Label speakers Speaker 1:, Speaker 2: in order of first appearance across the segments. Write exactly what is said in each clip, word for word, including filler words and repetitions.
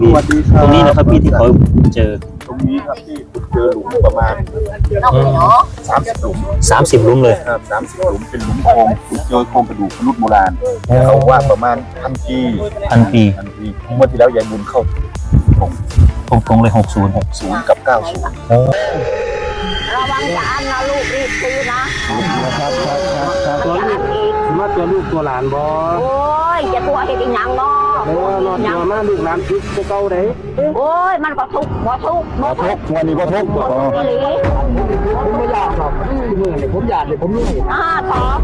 Speaker 1: พี่ตรงนี้นะครับพี่ที่เขาเจอ
Speaker 2: ตรงนี้ครับที่เจอหลุมประมาณสามสิบหลุม
Speaker 1: สามสิบหลุมเลย
Speaker 2: ครับสามสิบหลุมเป็นหลุมโครงเจอโครงกระดูกมนุษย์โบราณเขาว่าประมาณพันปี
Speaker 1: พันปี
Speaker 2: พันปีเมื่อที่แล้วยายบุญเข้า
Speaker 1: ตรงตรงเลยหกศูนย์หก
Speaker 2: ศูนย์กับเก้าศูนย์
Speaker 3: ระวังจะอันนะลูกรีบซื้อนะครับ
Speaker 4: ตัวลูกมาตัวลูกตัวหลานบ่
Speaker 3: โอ้ยจะตัวเห็ดอีหยังเนาะ
Speaker 4: เออรอตัวมาลูกหลานทุกเก่าเด้
Speaker 3: โอ้ยมันก็ทุกบ่ทุก
Speaker 2: บ่ทุกวันนี้บ่ทุกบ่
Speaker 4: ผมไม่อยากหรอกเมื่อนี่ผมอยากเลยผมนี่
Speaker 3: อ่าตอบ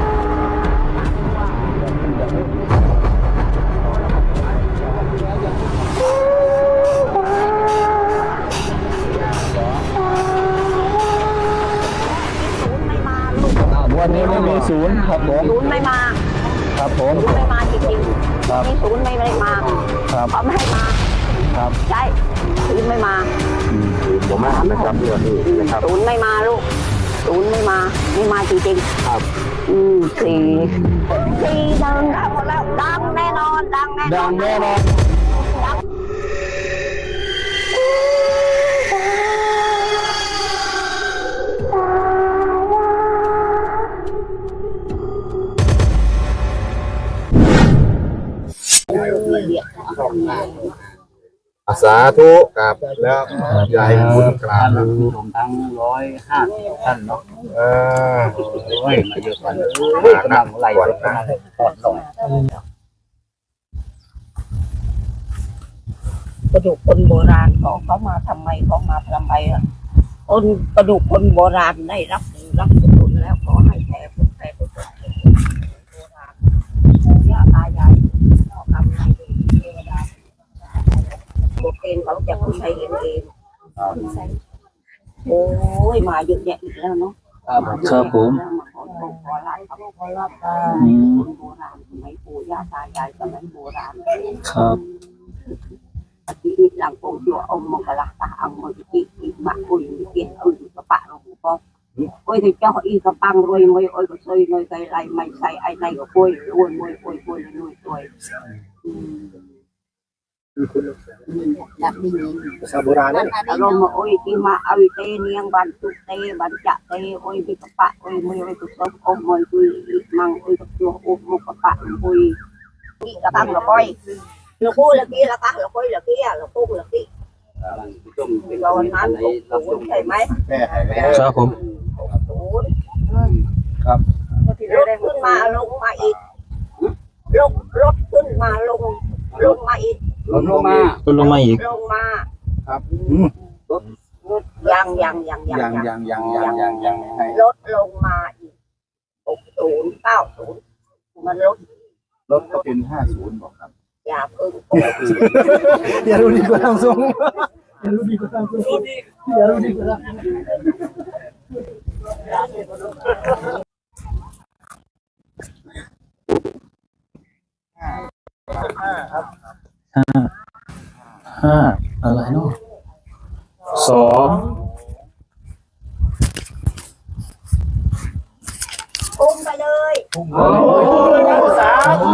Speaker 4: วันนี้ไม่มีศูนย์ครับผม
Speaker 3: ศูนย์ไม่มา
Speaker 4: ครับผม
Speaker 3: ศูนย์ไม่มาจริงๆครับนี่ศูนย์ไม่ได้มา
Speaker 4: ครับ
Speaker 3: เขาไม่ให้มา
Speaker 4: ครับ
Speaker 3: ใช่ศูนย์ไม่มา
Speaker 4: ผมมานะครับเรื่องนี้นะครับ
Speaker 3: ศูนย์ไม่มาลูกศูนย์ไม่มาไม่มาจริง
Speaker 4: ๆครับ
Speaker 3: อืมสี่สี่ดังดังหมดแล้วดังแน่นอนดังแน่นอน
Speaker 4: ดังแน่นอน
Speaker 2: สาธุกับแล้วยายบุญกราบ
Speaker 4: รวมทั้งร้อยห้าสิบท่านเนาะ
Speaker 2: เออ
Speaker 4: โอ้ยมาเยอะกว่าเกำลังไหลกำลังปอดลอย
Speaker 3: กระดูกคนโบราณเขาเขามาทำไมเขามาทำไมอ่ะคนกระดูกคนโบราณได้รับรับบุญแล้วขอให้แผ่บุญแผ่บุญโบราณย่าตายายทำให้เทวดาบทเองเขาจะคุณใช้เองเองโอ้ยมาเยอะแยะอีกแล้วเนาะ
Speaker 1: ครับผม
Speaker 3: ขอขอขอรับขอรับคนโบราณสมัยปู่ย่าตายายสมัยโบราณ
Speaker 1: ครับ
Speaker 3: ที่นี่หลังโปจัวอมมกราตาอังมจิติอิบะอุยเกียนอุยกระปะลงปอโอ้ยที่เจ้าอีกระปังรวยมวยโอ้ยก็ซอยน้อยไกลไรไม่ใส่ไอ้ในก็ป่วยรวยมวยป่วยป่วยรวยป่วยดับดิ้ง
Speaker 4: ภาษาโบราณนั่น
Speaker 3: อารมณ์โอ้ยที่มาเอาเตเนียงบันตุเตบันจะเตโอ้ยที่กระปะโอ้ยมวยโอ้ยก็ซบอมมวยคุยมังโอ้ยก็ตัวอมมกระปะคุยนี่กระปังละก้อยเราพูดละกี้ละกะเราคุยละกี้อ่ะเราพูดละกี้เราวันนั้นเราพูดใช่ไหม
Speaker 1: ครับผม
Speaker 2: ครับ
Speaker 3: รถขึ้นมาลงมาอีกลงรถขึ้นมาลงลงมาอีก
Speaker 4: ลงมา
Speaker 1: ลงมาอีก
Speaker 3: ลงมา
Speaker 2: ครับ
Speaker 3: รถยังยังยัง
Speaker 2: ยังยังยังยังยังยัง
Speaker 3: รถลงมาอีกหกศูนย์เก้าศูนย์มันรถ
Speaker 2: รถก็เป็นห้าศูนย์บอกครับ
Speaker 3: อย่าเพิ่ง
Speaker 4: อย่ารู้ดีกว่าทางทรงอย่ารู้ดีกว่าทางทรงอย่ารู้ดีกว่าทาง
Speaker 1: ห้าห้าอะไรเนาะสอง
Speaker 3: อุ้มไปเลย
Speaker 4: โอ้ยสาธุ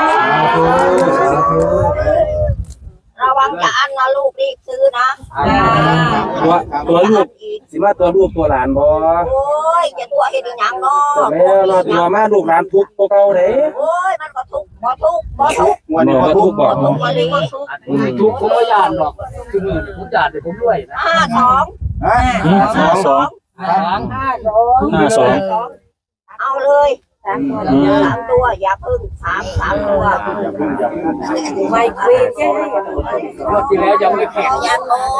Speaker 3: ระวังจะอันนะลูกรีบซื้อนะ
Speaker 4: ตัวตัวลูกสิมาตัวลูกตัวหลานบ่
Speaker 3: โอ้ยจะตัวเห็ดอีหยังเนาะ
Speaker 4: แม่รอตัวมาลูกหลานทุกตัวเก่าเด้
Speaker 3: โอ้ยมันก็ทุกบ่ทุกบ่ทุก
Speaker 4: วันนี้บ่ทุกบ่
Speaker 3: ทุกวันนี้
Speaker 4: ทุกผมบ่ย่านหรอกคือมื้อนี้ผมย่านเดี๋ยวผมรวยนะ
Speaker 3: ห้าสอง
Speaker 1: ห้าสอง
Speaker 3: ห้าสอง
Speaker 1: ห้าสอง
Speaker 3: เอาเลยสามตัวสามตัวอย่าพึ่งสามสามตัวไม่คุยแค่
Speaker 4: รอบที่แล้วยังไม่แข็ง
Speaker 3: ยังโง่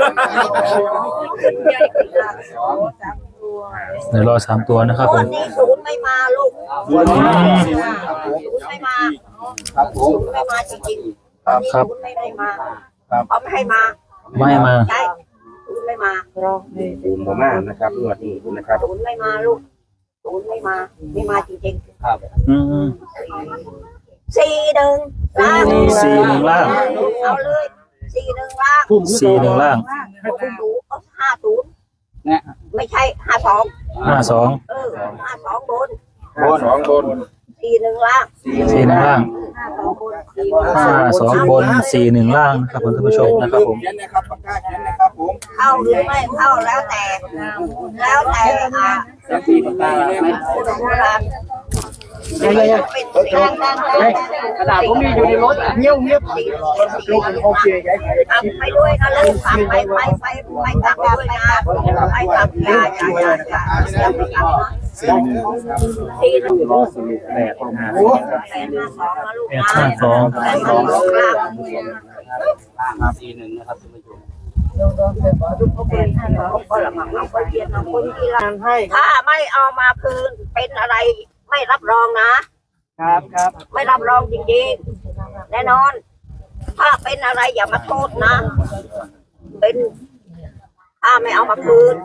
Speaker 1: เดี๋ยวรอสามตัวนะครับผม
Speaker 3: วันนี้ศูนย์ไม่มาลูกศูนย์ไม่มา
Speaker 2: ครับผม
Speaker 3: ศูนย์ไม่มาจริงๆวันนี้ศูนย์ไม่ได้มาเขาไม่ให้มา
Speaker 1: ไม่มา
Speaker 3: ใช่ศูนย์ไม่มา
Speaker 4: ศูนย์บ่มานะครับงวดนี้นะครับ
Speaker 3: ศูนย์ไม่มาลูกศูนย์ไม่มาไม่มาจริง
Speaker 4: ๆครับ
Speaker 1: อืม
Speaker 3: สี่หนึ่งล่าง
Speaker 1: สี่หนึ่งล่าง
Speaker 3: เอาเลยสี่หนึ่งล่าง
Speaker 1: สี่หนึ่งล่าง
Speaker 3: คุณดูเอาห้าศูนย์ไม่ใช่ห้าสอง
Speaker 1: ห้าสอง
Speaker 3: เออห้าสองบน
Speaker 2: บนสองบน
Speaker 3: สี่หนึ่งล่าง
Speaker 1: สี่หนึ่งล่าง
Speaker 3: ห้าสองบนสี่
Speaker 1: ห้าสองบนสี่หนึ่งล่างนะครับคุณท่านผู้ชมนะครับผม
Speaker 2: เขียนนะครับปากกาเขียนนะครับผม
Speaker 3: เข้าหรือไม่เข้าแล้วแต่ แล้วแต่อ่ะโบราณ
Speaker 4: ยังไง
Speaker 3: เป็นทางทาง
Speaker 4: กระดาษผมมีอยู่ในรถเงี้ยวเงี้ยวลูกโอเคไง
Speaker 3: ทำไปด้วยนะลูกทำไปไปไปไปกลับด้วยนะไปกลับยาอย่าอย่าอย่าอย่าไปกลับนะ
Speaker 2: สี่หนึ่ง
Speaker 3: สี่หนึ่ง
Speaker 2: รอสรุปแปดห้า
Speaker 3: แปดห้าสองนะลูก
Speaker 1: แปด
Speaker 3: นะ
Speaker 1: ห้าสอง
Speaker 3: แปดห้าสองล่าง
Speaker 2: สี่หนึ่งนะครับท่านผู้ชม
Speaker 3: แปดห้าสองก็ละมังเอาไปเรียนเอาคนที่ละ
Speaker 4: ให้
Speaker 3: ถ้าไม่เอามาคืนเป็นอะไรไม่รับรองนะ
Speaker 4: ครับครับ
Speaker 3: ไม่รับรองจริงๆ แน่นอน ถ้าเป็นอะไรอย่ามาโทษนะ เป็นถ้าไม่เอามาคืน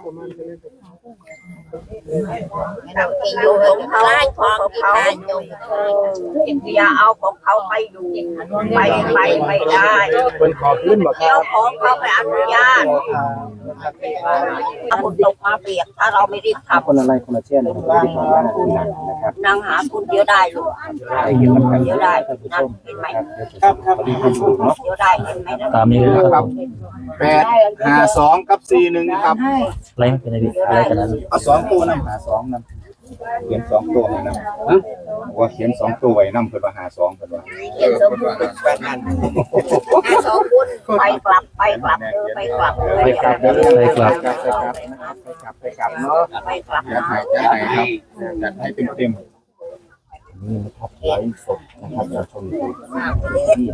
Speaker 3: อยู่ของเขาของเขาอย่าเอาของเขาไปอยู่ไปไปไม่ได้
Speaker 4: คนขอขึ้นบอกครั
Speaker 3: เจ้า
Speaker 4: บ
Speaker 3: ของเขาไปอนุญาตถ้าคนตกมาเปียกถ้าเราไม่รีบทำ
Speaker 2: คนอะไรคนละเช่นนะครับที่ผมว่านะครับ
Speaker 3: นางหาคุณเยอะได้ลูกเยอะได้นั่นเห็นไหม
Speaker 2: ครับครับดีครับเนาะ
Speaker 3: เยอะได้เห็นไหมนะ
Speaker 1: ตามนี้เลยนะครับผม
Speaker 2: แปดห้าสองกับสี่หนึ่งครับ
Speaker 1: อะไรไม่เป็นไรพี่อะไรกันนั้น
Speaker 2: เอาสองตัวนำหาสองนำเขียนสองตัวให้นำว่าเขียนสองตัวไว้นำเพื่อมาหาสองเพื่อว่า
Speaker 3: เขียนสมบูรณ์แปดพันสองบุญไปกลับไปกลับเออไปกลับ
Speaker 2: ไปกลับเด้อ
Speaker 1: ไปกลับ
Speaker 2: ไปกลับไปกลับไปกลับเนาะ
Speaker 3: ไปกลับ
Speaker 2: จัดให้จัดให้ครับจัดให้เต็มเต็มนี่นะครับไลฟ์สดนะครับเราชมดูที่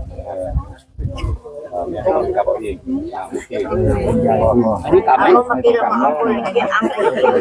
Speaker 2: เนี่ยกับเอาเองโอเคอันนี้กลับไหม
Speaker 3: เมื่อกี้เราเอาคนเขียนอังกฤษเขียน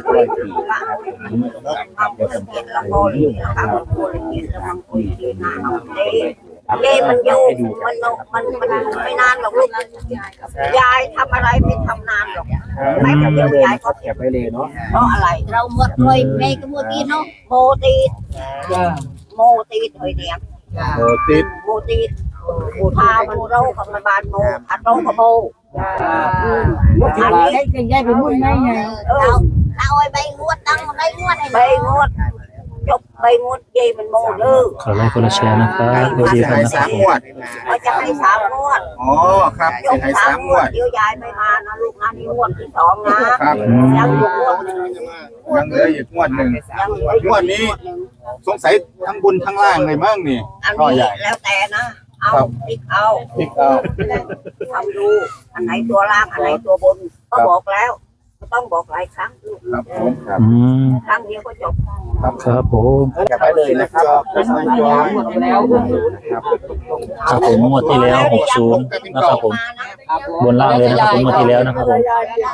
Speaker 3: เอาคนเขียนละโมลีนะคะคนเขียนละมังคนเขียนนาเอาเล่เล่มันอยู่มันมันมันไม่นานหรอกลูกยายทำอะไรไม่ทำนานหรอกไม่เดียวยายก็
Speaker 2: เก็บไว้เลยเนาะ
Speaker 3: เพราะอะไรเราหมดเลยในกระบวนการเนาะโมตีโมตีเฮ้ยเนี่ย
Speaker 2: โอ้ติด
Speaker 3: โมตีพามันโรคกับมันบานโมอัดโรคกับโมอันนี้
Speaker 4: กันย้ายไปมุ่งไงไง
Speaker 3: เออเราไอ้ใบงวดตั้งใบงวดใบงวดจบใบงวดเยมันโมเด้อ
Speaker 1: ขอไลค์คนละแชร์นะครับสวัสดีครับ
Speaker 2: ให้
Speaker 1: นะค
Speaker 2: สา
Speaker 1: รับ
Speaker 2: มงวด
Speaker 3: เขาจะให้สามงวด
Speaker 2: อ๋อครับ
Speaker 3: จบ
Speaker 2: ให้
Speaker 3: สา
Speaker 2: สาม ม
Speaker 3: ง
Speaker 2: ง
Speaker 3: ว
Speaker 2: ว
Speaker 3: ด
Speaker 2: ด
Speaker 3: เดี๋ยวยายไม่มานะลูกนะนี่งวดที่สองนะครับ ยังอยู่งวดหนึ่ง
Speaker 2: ยังเหลืออีกงวดหนึ่ง
Speaker 3: ยังเหลืออยู่
Speaker 2: งวดนี้ สงสัยทั้งบนทั้งล่างเลยมั้งนี่
Speaker 3: อัน
Speaker 2: ก็
Speaker 3: นี้
Speaker 2: ใหญ่
Speaker 3: แล้วแต่นะเอาติ๊กเอา
Speaker 2: พลิกเอา
Speaker 3: ทำดูอันไหนตัวล่างอันไหนตัวบนก็บอกแล้วก็ต้องบอกหลายครั้งลูก
Speaker 2: ครับผมครับ
Speaker 1: อืม
Speaker 3: ครั้งเดียวก็จบ
Speaker 1: ครับผม
Speaker 2: เก็บไว้เลยนะครับไม่ยอมครับ
Speaker 1: ครับผมงวดที่แล้วหกศูนย์นะครับผมบนล่างเลยนะครับผมงวดที่แล้วนะครับผม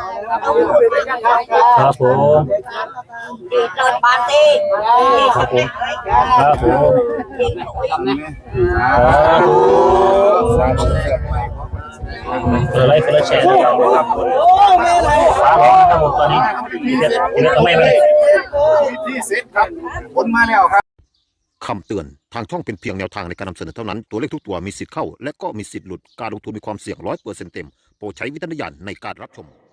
Speaker 1: ครับผม
Speaker 3: ดีเกินปาร์ตี้
Speaker 1: ครับผมครับผม
Speaker 2: สาธุ
Speaker 1: คนละไลค์คนละแชร์นะครับฟ้าร้องนะครับผมตอนนี้เดี๋ยวเดี๋ยวทำไมไม่
Speaker 2: ที่เสร็จครับผลมาแล้วครับ
Speaker 5: คำเตือน ทางช่องเป็นเพียงแนวทางในการนำเสนอเท่านั้น ตัวเลขทุกตัวมีสิทธิ์เข้า และก็มีสิทธิ์หลุด การลงทุนมีความเสี่ยงร้อยเปอร์เซ็นต์เต็ม โปรดใช้วิจารณญาณในการรับชม